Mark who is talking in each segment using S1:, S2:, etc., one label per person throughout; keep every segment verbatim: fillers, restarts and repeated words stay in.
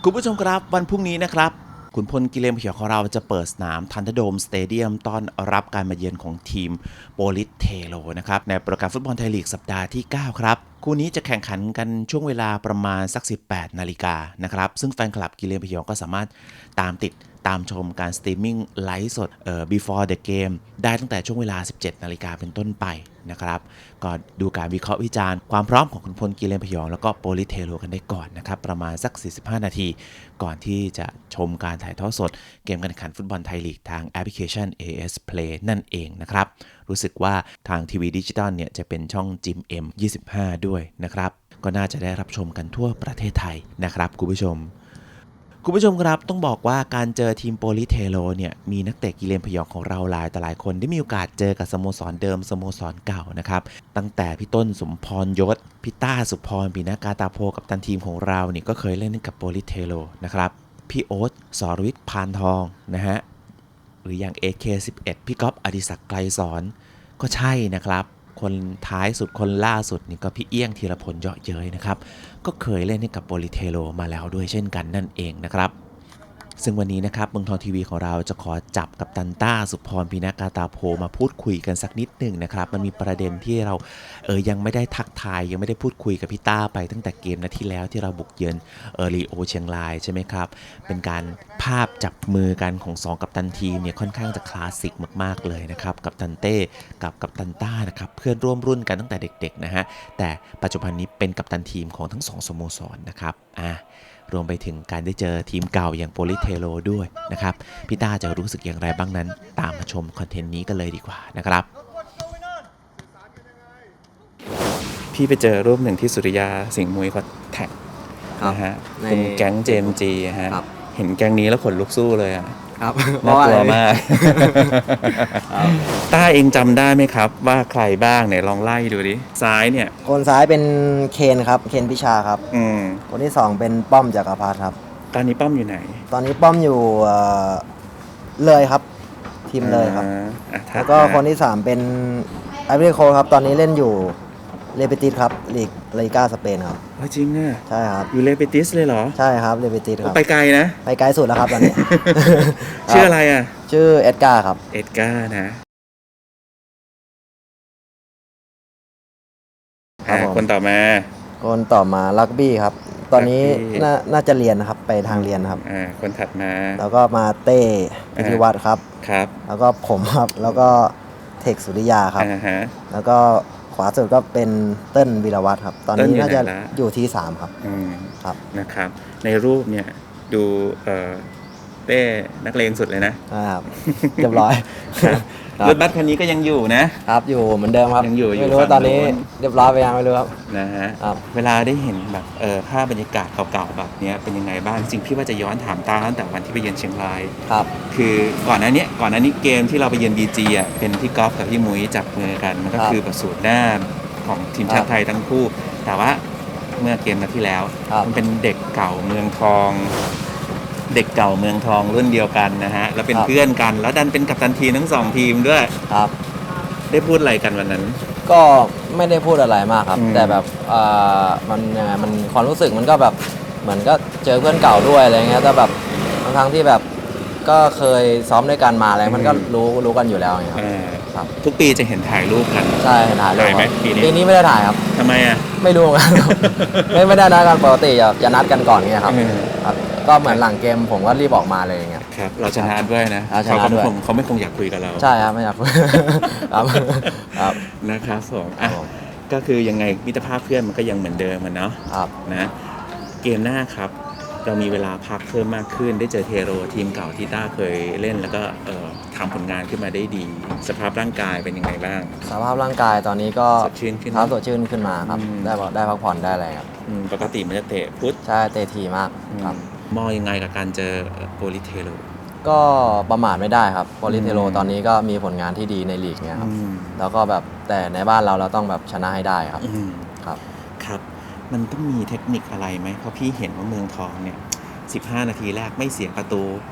S1: คุณผู้ชมครับวันพรุ่งนี้นะครับขุนพลกิเลนพยองของเราจะเปิดสนามทันเดอร์โดมสเตเดียมต้อนรับการมาเยือนของทีมโปลิสเทโลนะครับในโปรแกรมฟุตบอลไทยลีกสัปดาห์ที่เก้าครับคู่นี้จะแข่งขันกันช่วงเวลาประมาณสักสิบแปดนาฬิกานะครับซึ่งแฟนคลับกิเลนพยองก็สามารถตามติดตามชมการสตรีมมิ่งไลฟ์สดเอ่อ before the game ได้ตั้งแต่ช่วงเวลา สิบเจ็ดนาฬิกาเป็นต้นไปนะครับก็ดูการวิเคราะห์วิจารณ์ความพร้อมของขุนพลกิเลนพยองแล้วก็โปลิสเทโลกันได้ก่อนนะครับประมาณสักสี่สิบห้านาทีก่อนที่จะชมการถ่ายทอดสดเกมการแข่งขันฟุตบอลไทยลีกทางแอปพลิเคชัน เอ เอส Play นั่นเองนะครับรู้สึกว่าทางทีวีดิจิตอลเนี่ยจะเป็นช่องจิม เอ็ม ยี่สิบห้าด้วยนะครับก็น่าจะได้รับชมกันทั่วประเทศไทยนะครับคุณผู้ชมคุณผู้ชมครับต้องบอกว่าการเจอทีมโปลิสเทโลเนี่ยมีนักเตะกิเลนพยองของเราหลายแต่หลายคนได้มีโอกาสเจอกับสโมสรเดิมสโมสรเก่านะครับตั้งแต่พี่ต้นสมพรยศพี่ต้าสุพรปีนากาตาโพกับตันทีมของเราเนี่ยก็เคยเล่นกับโปลิสเทโลนะครับพี่โอ๊ตสรวิทย์พานทองนะฮะหรืออย่าง เอ เค สิบเอ็ด พี่ก๊อฟอดิศักดิ์ไกลสอนก็ใช่นะครับคนท้ายสุดคนล่าสุดนี่ก็พี่เอี้ยงธีรพลเยาะเย้ยนะครับก็เคยเล่นให้กับโปลิสเทโลมาแล้วด้วยเช่นกันนั่นเองนะครับซึ่งวันนี้นะครับเมืองทองทีวีของเราจะขอจับกับตันต้าสุพรปีนากาตาโพมาพูดคุยกันสักนิดหนึ่งนะครับมันมีประเด็นที่เราเออยังไม่ได้ทักทายยังไม่ได้พูดคุยกับพี่ต้าไปตั้งแต่เกมนัดที่แล้วที่เราบุกเยือนเออรีโอเชียงรายใช่ไหมครับเป็นการภาพจับมือกันของสองกัปตันทีมเนี่ยค่อนข้างจะคลาสสิกมากๆเลยนะครับกัปตันเต้กับกัปตันต้านะครับเพื่อนร่วมรุ่นกันตั้งแต่เด็กๆนะฮะแต่ปัจจุบันนี้เป็นกัปตันทีมของทั้งสองสโมสรนะครับอ่ะรวมไปถึงการได้เจอทีมเก่าอย่างโปลิสเทโลด้วยนะครับพี่ต้าจะรู้สึกอย่างไรบ้างนั้นตามมาชมคอนเทนต์นี้กันเลยดีกว่านะครับพี่ไปเจอรูปหนึ่งที่สุริยาสิงห์มุ้ยเขาแท็กนะฮะเป็นแก๊ง เจ เอ็ม จี ฮะเห็นแก๊งนี้แล้วขนลุกสู้เลยอ่ะ
S2: ครับ
S1: น่ากลัวมากต้าเองจำได้ไหมครับว่าใครบ้างเนี่ยลองไล่ดูดิซ้ายเนี่ย
S2: คนซ้ายเป็นเคนครับเคนพิชาครับ
S1: อืม
S2: คนที่สองเป็นป้อมจักรพัฒน์ครับ
S1: ตอนนี้ป้อมอยู่ไหน
S2: ตอนนี้ป้อมอยู่เอ่อเลยครับทีมเลยครับแล้วก็คนที่สามเป็นไอเวอรี่โคสต์ครับตอนนี้เล่นอยู่เรเบติสครับลีกลาลิก้าสเปนครับ
S1: จริงอ่ะ
S2: ใช่ครับ
S1: อยู่เรเบติสเลยเหรอ
S2: ใช่ครับเรเบติสครับ
S1: ไปไกลนะ
S2: ไปไกลสุดแล้วครับตอนนี้
S1: ชื่ออะไรอ่ะ
S2: ชื่อเอ็ดการ์ครับ
S1: เอ็ดการ์นะคนต่อมา
S2: คนต่อมาลักบี้ครับตอนนี้น่าน่าจะเรียนนะครับไปทางเรียนครับ
S1: อ่าคนถัดมา
S2: แล้วก็มาเต้พิธิวัฒน์ครับ
S1: ครับ
S2: แล้วก็ผมครับแล้วก็เทคสุริยาครับ
S1: อ่าฮะ
S2: แล้วก็ขวาสุดก็เป็นเติ้ลวีรวัฒน์ครับตอนนี้น่าจะอยู่ที่สามครับ
S1: อืม
S2: ครับ
S1: นะครับในรูปเนี่ยดูเอ่อเต้นักเลงสุดเลยนะครับ
S2: เรียบร้อย
S1: รถบัสคันนี้ก็ยังอยู่นะครับ
S2: อยู่เหมือนเดิมครับ
S1: ยังอยู่
S2: ไม่รู้ว่าตอนนี้เรียบร้อยไปยังไม่รู้ครับ
S1: นะฮะเวลาได้เห็นแบบเออภาพบรรยากาศเก่าๆแบบนี้เป็นยังไงบ้างจริงพี่ว่าจะย้อนถามตาตั้งแต่วันที่ไปเยือนเชียงราย
S2: ครับ
S1: คือก่อนหน้านี้ก่อนหน้านี้เกมที่เราไปเยือน บี จี อ่ะเป็นพี่ก๊อฟกับพี่มุ้ยจับมือกันมันก็คือแบบสูตรหน้าของทีมชาติไทยทั้งคู่แต่ว่าเมื่อเกมนัดที่แล้วมันเป็นเด็กเก่าเมืองทองเด็กเก่าเมืองทองรุ่นเดียวกันนะฮะแล้วเป็นเพื่อนกันแล้วดันเป็นกัปตันทีมทั้งสองทีมด้วย
S2: ครับ
S1: ได้พูดอะไรกันวันนั้น
S2: ก็ไม่ได้พูดอะไรมากครับแต่แบบเอ่อมันยังไงมันความรู้สึกมันก็แบบเหมือนก็เจอเพื่อนเก่าด้วยอะไรเงี้ยแต่แบบบางครั้งที่แบบก็เคยซ้อมด้วยกันมาอะไรมันก็รู้รู้กันอยู่แล้วไงครับ
S1: ครับทุกปีจะเห็นถ่ายรูปกัน
S2: ใช่ถ่ายรูป
S1: ไหมปีนี้
S2: ปีนี้ไม่ได้ถ่ายครับ
S1: ทำไมอ่ะ
S2: ไม่รู้กันไม่ไม่ได้นัดกันปกติจะนัดกันก่อนเงี้ยครับครับก็เหมือนหลังเกมผมก็รีบออกมาเลยอย่างเงี้ย
S1: ครับเราชนะด้วยนะ
S2: เขา
S1: ไม่คงเขาไม่คงอยากคุยกับเรา
S2: ใช่ครับไม่อยากคุยครับ
S1: ครับนะครับผมอ่ะก็คือยังไงมิตรภาพเพื่อนมันก็ยังเหมือนเดิมมันเนาะนะเกมหน้าครับเรามีเวลาพักเพิ่มมากขึ้นได้เจอเทโรทีมเก่าที่ต้าเคยเล่นแล้วก็เอ่อทำผลงานขึ้นมาได้ดีสภาพร่างกายเป็นยังไงบ้าง
S2: สภาพร่างกายตอนนี้ก็
S1: สดชื่นขึ้น
S2: ท้าสดชื่นขึ้นมาครับได้ได้พักผ่อนได้อะไรครับ
S1: ปกติมันจะเตะพุทธ
S2: ใช่เตะทีมากครับ
S1: มองยังไงกับการเจอโปลิสเทโร
S2: ก็ประมาทไม่ได้ครับโปลิสเทโรตอนนี้ก็มีผลงานที่ดีในลีกเนี่ยครับแล้วก็แบบแต่ในบ้านเราเราต้องแบบชนะให้ได้ครับครับ
S1: ครับมันต้องมีเทคนิคอะไรไหมเพราะพี่เห็นว่าเมืองทองเนี่ยสิบห้านาทีแรกไม่เสียประตู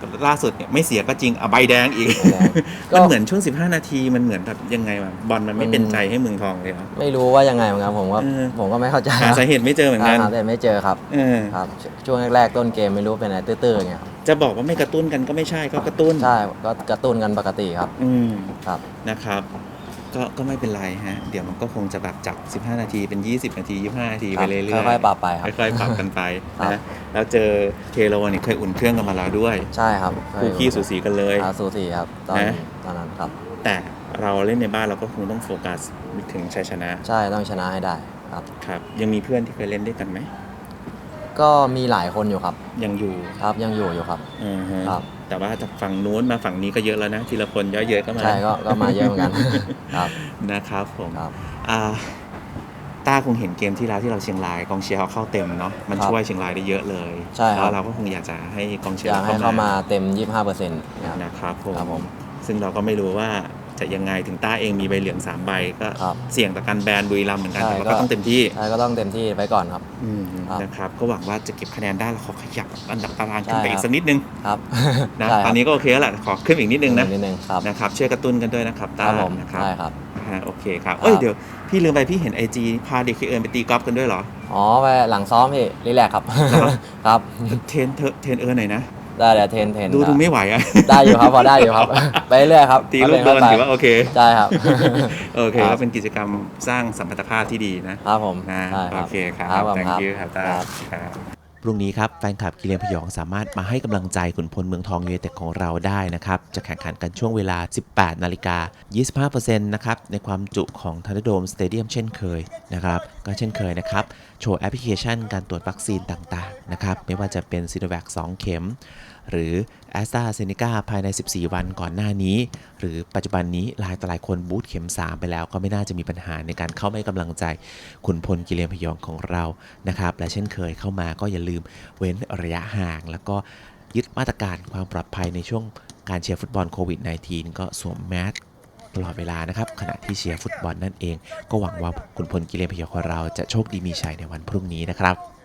S1: ล่าสุดเนี่ยไม่เสียก็จริงอ่ะใบแดงอีก
S2: ใบแดงก็
S1: มันเหมือนช่วงสิบห้านาทีมันเหมือนแบบยังไงวะบอลมันไม่เป็นใจให้เมืองทองเลยเหรอ
S2: ไม่รู้ว่ายังไงเหมือนกันผมก็
S1: เออ
S2: ผมก็ไม่เข้าใจ
S1: หาสาเหตุไม่เจอเหมือนกัน
S2: หาแต่ไม่เจอครับ
S1: เออ
S2: ครับช่วงแรกๆต้นเกมไม่รู้เป็นอะไรตื้อๆอย่างเงี้ยครับ
S1: จะบอกว่าไม่กระตุ้นกันก็ไม่ใช่ก็กระตุ้น
S2: ใช่ก็กระตุ้นกันปกติครับ
S1: อืม
S2: ครับ
S1: นะครับก็ก็ไม่เป็นไรฮะเดี๋ยวมันก็คงจะแบบจากสิบห้านาทีเป็นยี่สิบนาทียี่สิบห้านาที
S2: ค
S1: ไป
S2: รับ
S1: เรื่อยๆ
S2: ค่อยๆปรับไปครับ
S1: ค่อยๆปรับกันไป
S2: ครับ
S1: นะแล้วเจอเทโรเนี่ยเคยอุ่นเครื่องกันมาแล้วด้วย
S2: ใช่ครับ
S1: คู่ขี้สูสีกันเลย
S2: อ่าสูสีครับตอน
S1: นะ
S2: ตอนนั้นครับ
S1: แต่เราเล่นในบ้านเราก็คงต้องโฟกัสถึงชัยชนะ
S2: ใช่ต้องชนะให้ได้ครับ
S1: ครับยังมีเพื่อนที่เคยเล่นด้วยกันไหม
S2: ก็มีหลายคนอยู่ครับ
S1: ยังอยู่
S2: ครับยังอยู่อยู่ครับ
S1: อือฮะ
S2: ครับ
S1: แต่ว่าจากฝั่งนู้นมาฝั่งนี้ก็เยอะแล้วนะทีละคนเยอะๆก็มา
S2: ใช่ก็ก็มาเยอะเหมือนกัน ครับ
S1: นะครับผม
S2: ครับ
S1: อ่าต้าคงเห็นเกมที่แล้วที่เราเชียงรายกองเชียร์เขาเข้าเต็มเนาะมัน
S2: ครับ
S1: ช่วยเชียงรายได้เยอะเลย
S2: ใช่ครับ
S1: แล้วเราก็คงอยากจะให้กองเชีย
S2: อ
S1: ร์
S2: ยากให้เข้ามาเต็ม ยี่สิบห้าเปอร์เซ็นต์ครับ
S1: นะครับผม
S2: ครับผม
S1: ซึ่งเราก็ไม่รู้ว่าจะยังไงถึงต้าเองมีใบเหลืองสามใบก็
S2: ครับ
S1: เสี่ยงต่อการแบนบุรีรัมย์เหมือนกัน
S2: ใช่
S1: แต่ว่า
S2: ก็
S1: ก็ต้องเต็มที่
S2: ใช่ก็ต้องเต็มที่ไปก่อนครับ
S1: อืม
S2: ครับ
S1: นะครับก็หวังว่าจะเก็บคะแนนได้แล้วขอขยับอันดับตารางขึ้นไป
S2: ใช่
S1: อี
S2: ครั
S1: ก
S2: บ
S1: สักนิดนึง
S2: ครับ
S1: นะ
S2: ใช่ครับ
S1: ตอนนี้ก็โอเคแล้วแหละขอขึ้นอีกนิดนึงนะ
S2: นิดนึงครับ
S1: นะครับช่วยกระตุ้นกันด้วยนะครับ
S2: ค
S1: ต้า
S2: รับผม
S1: นะครับ
S2: ใช่ครับ
S1: ฮะโอเคครับ
S2: ครับ
S1: เอ้ยเดี๋ยวพี่ลืมไปพี่เห็นไอจีพาเด็กเคเอิญไปตีกอล์ฟกันด้วยเหรอ
S2: อ๋อไปหลังซ้อมพี่รีแลกซ์ครับ
S1: เหรอ
S2: ครับ
S1: เทรนเธอเทรนเอิญหน่อยนะ
S2: ได้เดี๋ยวเทรนเทรน
S1: ดูดูไม่ไหวอ่ะ
S2: ได้อยู่ครับพอได้อยู่ครับ ไปเรื่อยครับ
S1: ตีลูกโดนถือว่าโอเค
S2: ใช่ครับ
S1: โอเค
S2: ครั
S1: ก็
S2: บ
S1: เป็นกิจกรรมสร้างสัมพันธภาพที่ดีนะครับ
S2: ผม
S1: นะ
S2: ใช่ค
S1: โอ
S2: รับ
S1: เคครับ
S2: ครับผม
S1: thank you ครับตา
S2: ครับ
S1: ครับพรุ่งนี้ครับแฟนคลับกิเลนพยองสามารถมาให้กำลังใจขุนพลเมืองทองยูไนเต็ดของเราได้นะครับจะแข่งขันกันช่วงเวลา สิบแปดนาฬิกายี่สิบห้าเปอร์เซ็นต์ นะครับในความจุของทันเดอร์โดมสเตเดียมเช่นเคยนะครับก็เช่นเคยนะครับโชว์แอปพลิเคชันการตรวจวัคซีนต่างๆนะครับไม่ว่าจะเป็นซีโนแวคสองเข็มหรือ แอสตราเซเนกา ภายในสิบสี่วันก่อนหน้านี้หรือปัจจุบันนี้หลายต่อหลายคนบูสต์เข็มสามไปแล้วก็ไม่น่าจะมีปัญหาในการเข้าให้กำลังใจขุนพลกิเลนพยองของเรานะครับและเช่นเคยเข้ามาก็อย่าลืมเว้นระยะห่างแล้วก็ยึดมาตรการความปลอดภัยในช่วงการเชียร์ฟุตบอลโควิด สิบเก้า ก็สวมแมสตลอดเวลานะครับขณะที่เชียร์ฟุตบอลนั่นเองก็หวังว่าขุนพลกิเลนพยองของเราจะโชคดีมีชัยในวันพรุ่งนี้นะครับ